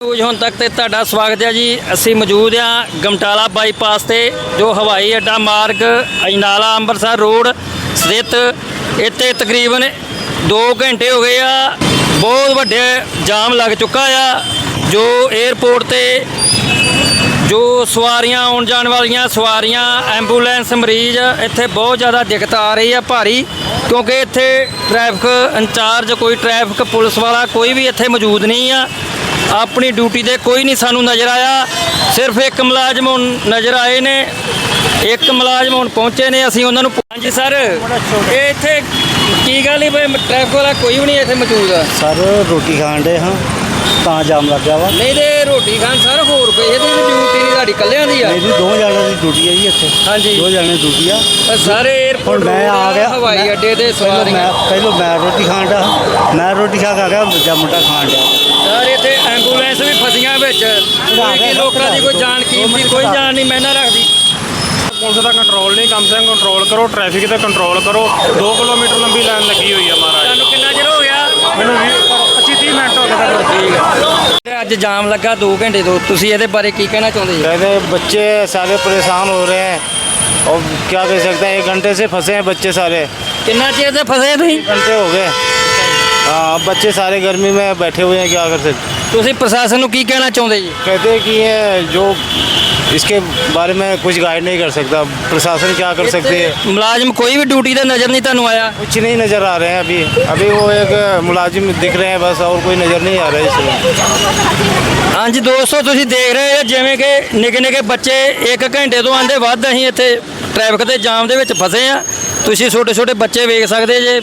News ਹੁਣ ਤੱਕ ਤੇ ਤੁਹਾਡਾ ਸਵਾਗਤ ਹੈ ਜੀ। ਅਸੀਂ ਮੌਜੂਦ ਹਾਂ ਗਮਟਾਲਾ ਬਾਈਪਾਸ ਤੇ ਜੋ ਹਵਾਈ ਅੱਡਾ ਮਾਰਗ ਅਜਨਾਲਾ ਅੰਮ੍ਰਿਤਸਰ ਰੋਡ ਸਥਿਤ। ਇੱਥੇ ਤਕਰੀਬਨ 2 ਘੰਟੇ ਹੋ ਗਏ ਆ, ਬਹੁਤ ਵੱਡੇ ਜਾਮ ਲੱਗ ਚੁੱਕਾ ਆ। ਜੋ 에ਅਰਪੋਰਟ ਤੇ ਜੋ ਸਵਾਰੀਆਂ ਆਉਣ ਜਾਣ ਵਾਲੀਆਂ ਸਵਾਰੀਆਂ, ਐਂਬੂਲੈਂਸ, ਮਰੀਜ਼, ਇੱਥੇ ਬਹੁਤ ਜ਼ਿਆਦਾ ਦਿੱਕਤ ਆ ਰਹੀ ਆ ਭਾਰੀ, ਕਿਉਂਕਿ ਇੱਥੇ ਟ੍ਰੈਫਿਕ ਇੰਚਾਰਜ ਕੋਈ ਟ੍ਰੈਫਿਕ ਪੁਲਿਸ ਵਾਲਾ ਕੋਈ ਵੀ ਇੱਥੇ ਮੌਜੂਦ ਨਹੀਂ ਆ। ਆਪਣੀ ਡਿਊਟੀ ਤੇ ਕੋਈ ਨਹੀਂ ਸਾਨੂੰ ਨਜ਼ਰ ਆਇਆ। ਸਿਰਫ ਇੱਕ ਮੁਲਾਜ਼ਮ ਹੁਣ ਨਜ਼ਰ ਆਏ ਨੇ, ਇੱਕ ਮੁਲਾਜ਼ਮ ਹੁਣ ਪਹੁੰਚੇ ਨੇ। ਅਸੀਂ ਉਹਨਾਂ ਨੂੰ ਹਾਂਜੀ ਸਰ, ਇਹ ਇੱਥੇ ਕੀ ਗੱਲ ਹੀ ਟ੍ਰੈਫਿਕ ਵਾਲਾ ਕੋਈ ਵੀ ਨਹੀਂ ਇੱਥੇ ਮੌਜੂਦ ਆ ਸਰ? ਰੋਟੀ ਖਾਣ ਦੇ ਹਾਂ ਤਾਂ ਜਾਮ ਲੱਗ ਗਿਆ ਵਾ। ਨਹੀਂ ਤੇ ਰੋਟੀ ਖਾਣ ਸਰ ਹੋਰ ਕੋਈ ਇਹਦੀ ਡਿਊਟੀ ਨਹੀਂ ਤੁਹਾਡੀ ਇਕੱਲਿਆਂ ਦੀ ਆ? ਮੇਰੀ 2 ਜਣਿਆਂ ਦੀ ਡਿਊਟੀ ਹੈ ਜੀ ਇੱਥੇ। ਹਾਂਜੀ 2 ਜਣਿਆਂ ਦੀ ਡਿਊਟੀ ਆ। ਸਾਰੇ 에ਅਰਪੋਰਟ ਮੈਂ ਆ ਗਿਆ ਹਵਾਈ ਅੱਡੇ ਦੇ ਸਵਾਰੀਆਂ। ਪਹਿਲਾਂ ਮੈਂ ਰੋਟੀ ਖਾਣ ਦਾ, ਮੈਂ ਰੋਟੀ ਖਾ ਕੇ ਆ ਗਿਆ, ਦੂਜਾ ਮੁੰਡਾ ਖਾਣ ਡਿਆ। ਸਰ ਇੱਥੇ ਐਂਬੂਲੈਂਸ ਵੀ ਫਸੀਆਂ ਵਿੱਚ, ਕੋਈ ਲੋਕਾਂ ਦੀ ਕੋਈ ਜਾਨ ਕੀਮਤੀ ਕੋਈ ਜਾਨ ਨਹੀਂ ਮੈਨਾਂ ਰੱਖਦੀ। ਪੁਲਿਸ ਦਾ ਕੰਟਰੋਲ ਨਹੀਂ, ਕਮ ਸੇ ਕਮ ਕੰਟਰੋਲ ਕਰੋ, ਟ੍ਰੈਫਿਕ ਤੇ ਕੰਟਰੋਲ ਕਰੋ। 2 ਕਿਲੋਮੀਟਰ ਲੰਬੀ ਲਾਈਨ ਲੱਗੀ ਹੋਈ ਆ ਮਹਾਰਾਜ। ਤੁਹਾਨੂੰ ਕਿੰਨਾ ਚਿਰ ਹੋ ਗਿਆ? ਮੈਨੂੰ 25-30 ਮਿੰਟ ਹੋ ਗਏ ਸਰ। ਠੀਕ ਹੈ। ਅੱਜ ਜਾਮ ਲੱਗਾ 2 ਘੰਟੇ ਤੋਂ, ਤੁਸੀਂ ਇਹਦੇ ਬਾਰੇ ਕੀ ਕਹਿਣਾ ਚਾਹੁੰਦੇ ਜੀ? कहते बच्चे सारे परेशान हो रहे हैं और क्या कह सकते हैं, 1 घंटे से फंसे हैं बच्चे सारे। ਕਿੰਨਾ ਚਿਰ ਤੇ ਫਸੇ ਤੁਸੀਂ? घंटे हो गए। हाँ, बच्चे सारे गर्मी में बैठे हुए हैं, क्या कर सकते। ਤੁਸੀਂ ਪ੍ਰਸ਼ਾਸਨ ਨੂੰ ਕੀ ਕਹਿਣਾ ਚਾਹੁੰਦੇ ਜੀ? कहते हैं कि ये जो इसके बारे में कुछ गाइड नहीं कर सकता, प्रशासन क्या कर सकती है। ਮੁਲਾਜ਼ਮ ਕੋਈ ਵੀ ਡਿਊਟੀ ਤੇ ਨਜ਼ਰ ਨਹੀਂ ਤੁਹਾਨੂੰ ਆਇਆ? कुछ नहीं नज़र आ रहे हैं अभी वो एक मुलाजिम दिख रहे हैं बस, और कोई नज़र नहीं आ रहा है इसमें। ਹਾਂਜੀ ਦੋਸਤੋ, ਤੁਸੀਂ ਦੇਖ ਰਹੇ ਹੋ ਜਿਵੇਂ ਕਿ ਨਿੱਕੇ ਨਿੱਕੇ ਬੱਚੇ 1 ਘੰਟੇ ਤੋਂ ਆਂਦੇ ਵੱਧ ਅਸੀਂ ਇੱਥੇ ਟ੍ਰੈਫਿਕ ਦੇ ਜਾਮ ਦੇ ਵਿੱਚ ਫਸੇ ਆ। ਤੁਸੀਂ ਛੋਟੇ ਛੋਟੇ ਬੱਚੇ ਵੇਖ ਸਕਦੇ ਜੇ।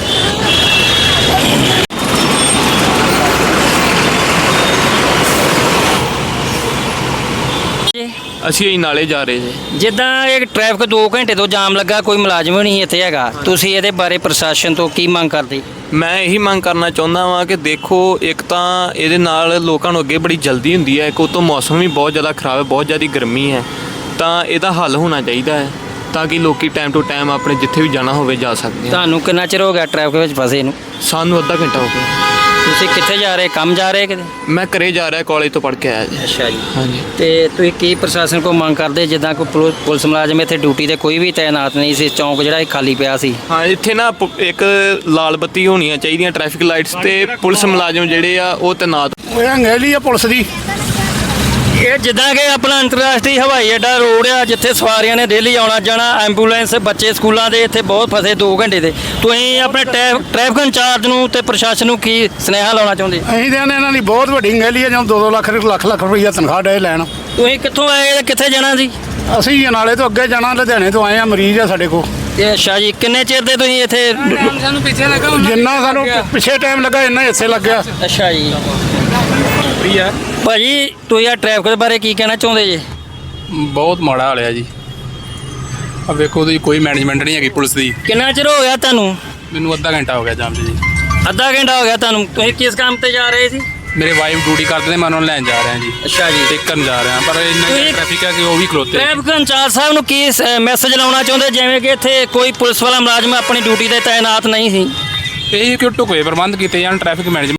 ਅਸੀਂ ਨਾਲੇ ਜਾ ਰਹੇ ਜੀ। ਜਿੱਦਾਂ ਇਹ ਟ੍ਰੈਫਿਕ 2 ਘੰਟੇ ਤੋਂ ਜਾਮ ਲੱਗਾ, ਕੋਈ ਮੁਲਾਜ਼ਮ ਵੀ ਨਹੀਂ ਇੱਥੇ ਹੈਗਾ, ਤੁਸੀਂ ਇਹਦੇ ਬਾਰੇ ਪ੍ਰਸ਼ਾਸਨ ਤੋਂ ਕੀ ਮੰਗ ਕਰਦੇ? ਮੈਂ ਇਹੀ ਮੰਗ ਕਰਨਾ ਚਾਹੁੰਦਾ ਵਾਂ ਕਿ ਦੇਖੋ, ਇੱਕ ਤਾਂ ਇਹਦੇ ਨਾਲ ਲੋਕਾਂ ਨੂੰ ਅੱਗੇ ਬੜੀ ਜਲਦੀ ਹੁੰਦੀ ਹੈ, ਇੱਕ ਉਤੋਂ ਮੌਸਮ ਵੀ ਬਹੁਤ ਜ਼ਿਆਦਾ ਖਰਾਬ ਹੈ, ਬਹੁਤ ਜ਼ਿਆਦਾ ਗਰਮੀ ਹੈ, ਤਾਂ ਇਹਦਾ ਹੱਲ ਹੋਣਾ ਚਾਹੀਦਾ ਹੈ ਤਾਂ ਕਿ ਲੋਕੀ ਟਾਈਮ ਟੂ ਟਾਈਮ ਆਪਣੇ ਜਿੱਥੇ ਵੀ ਜਾਣਾ ਹੋਵੇ ਜਾ ਸਕਦੇ ਆ। ਤੁਹਾਨੂੰ ਕਿੰਨਾ ਚਿਰ ਹੋ ਗਿਆ ਟ੍ਰੈਫਿਕ ਵਿੱਚ ਫਸੇ ਨੂੰ? ਸਾਨੂੰ ਅੱਧਾ ਘੰਟਾ ਹੋ ਗਿਆ। ਤੁਸੀਂ ਕਿੱਥੇ ਜਾ ਰਹੇ, ਕੰਮ ਜਾ ਰਹੇ ਕਿਤੇ? ਮੈਂ ਘਰੇ ਜਾ ਰਿਹਾ, ਕਾਲਜ ਤੋਂ ਪੜ੍ਹ ਕੇ ਆਇਆ ਜੀ। ਅੱਛਾ ਜੀ। ਹਾਂਜੀ। ਤੇ ਤੁਸੀਂ ਕੀ ਪ੍ਰਸ਼ਾਸਨ ਕੋਲ ਮੰਗ ਕਰਦੇ, ਜਿੱਦਾਂ ਕੋਈ ਪੁਲਿਸ ਮੁਲਾਜ਼ਮ ਇੱਥੇ ਡਿਊਟੀ ਤੇ ਕੋਈ ਵੀ ਤਾਇਨਾਤ ਨਹੀਂ ਸੀ, ਚੌਂਕ ਜਿਹੜਾ ਇਹ ਖਾਲੀ ਪਿਆ ਸੀ? ਹਾਂ, ਇੱਥੇ ਨਾ ਇੱਕ ਲਾਲ ਬੱਤੀ ਹੋਣੀਆਂ ਚਾਹੀਦੀਆਂ, ਟ੍ਰੈਫਿਕ ਲਾਈਟਸ, ਤੇ ਪੁਲਿਸ ਮੁਲਾਜ਼ਮ ਜਿਹੜੇ ਆ ਉਹ ਤੈਨਾਤ। ਇਹ ਅੰਗੇਲੀ ਆ ਪੁਲਿਸ ਦੀ। ਇਹ ਜਿੱਦਾਂ ਕਿ ਆਪਣਾ ਅੰਤਰਰਾਸ਼ਟਰੀ ਹਵਾਈ ਅੱਡਾ ਰੋਡ ਆ, ਜਿੱਥੇ ਸਵਾਰੀਆਂ ਨੇ ਡੇਲੀ ਆਉਣਾ ਜਾਣਾ, ਐਂਬੂਲੈਂਸ, ਬੱਚੇ ਸਕੂਲਾਂ ਦੇ ਇੱਥੇ ਬਹੁਤ ਫਸੇ 2 ਘੰਟੇ ਦੇ। ਤੁਸੀਂ ਆਪਣੇ ਟ੍ਰੈਫਿਕ ਇੰਚਾਰਜ ਨੂੰ ਤੇ ਪ੍ਰਸ਼ਾਸਨ ਨੂੰ ਕੀ ਸੁਨੇਹਾ ਲਾਉਣਾ ਚਾਹੁੰਦੇ? ਅਸੀਂ ਤਾਂ ਇਹਨਾਂ ਦੀ ਬਹੁਤ ਵੱਡੀ ਅੰਗੇਲੀ ਆ, ਜਦੋਂ 2-2 ਲੱਖ ਰੁਪਈਆ ਤਨਖਾਹ ਡੇ ਲੈਣ। ਤੁਸੀਂ ਕਿੱਥੋਂ ਆਏ ਤੇ ਕਿੱਥੇ ਜਾਣਾ ਸੀ? ਅਸੀਂ ਅਜਨਾਲੇ ਤੋਂ ਅੱਗੇ ਜਾਣਾ, ਲੁਧਿਆਣੇ ਤੋਂ ਆਏ ਆ, ਮਰੀਜ਼ ਆ ਸਾਡੇ ਕੋਲ। ਤੇ ਅੱਛਾ ਜੀ, ਕਿੰਨੇ ਚਿਰ ਦੇ ਤੁਸੀਂ ਇੱਥੇ? ਜਿੰਨਾ ਸਾਨੂੰ ਪਿੱਛੇ ਟਾਈਮ ਲੱਗਾ ਇੰਨਾ ਹੀ ਇੱਥੇ ਲੱਗਿਆ। ਅੱਛਾ ਜੀ। ਭਾਜੀ, ਤੁਸੀਂ ਆ ਟ੍ਰੈਫਿਕ ਦੇ ਬਾਰੇ ਕੀ ਕਹਿਣਾ ਚਾਹੁੰਦੇ ਜੀ? ਬਹੁਤ ਮਾੜਾ ਹਾਲ ਹੈ ਜੀ। ਆ ਵੇਖੋ, ਉਹਦੀ ਕੋਈ ਮੈਨੇਜਮੈਂਟ ਨਹੀਂ ਹੈਗੀ ਪੁਲਿਸ ਦੀ। ਕਿੰਨਾ ਚਿਰ ਹੋ ਗਿਆ ਤੁਹਾਨੂੰ? ਮੈਨੂੰ ਅੱਧਾ ਘੰਟਾ ਹੋ ਗਿਆ ਜਾਮ 'ਚ ਜੀ। ਅੱਧਾ ਘੰਟਾ ਹੋ ਗਿਆ ਤੁਹਾਨੂੰ? ਤੁਸੀਂ ਕਿਸ ਕੰਮ ਤੇ ਜਾ ਰਹੇ ਸੀ? ਮੇਰੇ ਵਾਈਫ ਡਿਊਟੀ ਕਰਦੇ ਨੇ, ਮੈਂ ਉਹਨਾਂ ਨੂੰ ਲੈਣ ਜਾ ਰਿਹਾ ਜੀ। ਅੱਛਾ ਜੀ। ਟੇਕਣ ਜਾ ਰਿਹਾ, ਪਰ ਇੰਨਾ ਤੁਸੀਂ- ਟ੍ਰੈਫਿਕ ਹੈ ਕਿ ਉਹ ਵੀ ਖਲੋਤੇ। ਟ੍ਰੈਫਿਕ ਇੰਚਾਰਜ ਸਾਹਿਬ ਨੂੰ ਕੀ ਮੈਸੇਜ ਲਾਉਣਾ ਚਾਹੁੰਦੇ, ਜਿਵੇਂ ਕਿ ਇੱਥੇ ਕੋਈ ਪੁਲਿਸ ਵਾਲਾ ਮੁਲਾਜ਼ਮ ਆਪਣੀ ਡਿਊਟੀ ਤੇ ਤਾਇਨਾਤ ਨਹੀਂ ਸੀ? ਇਹ ਕਿ ਢੁਕਵੇਂ ਪ੍ਰਬੰਧ ਕੀਤੇ ਜਾਣ, ਟ੍ਰੈਫਿਕ ਮੈਨੇਜਮੈਂਟ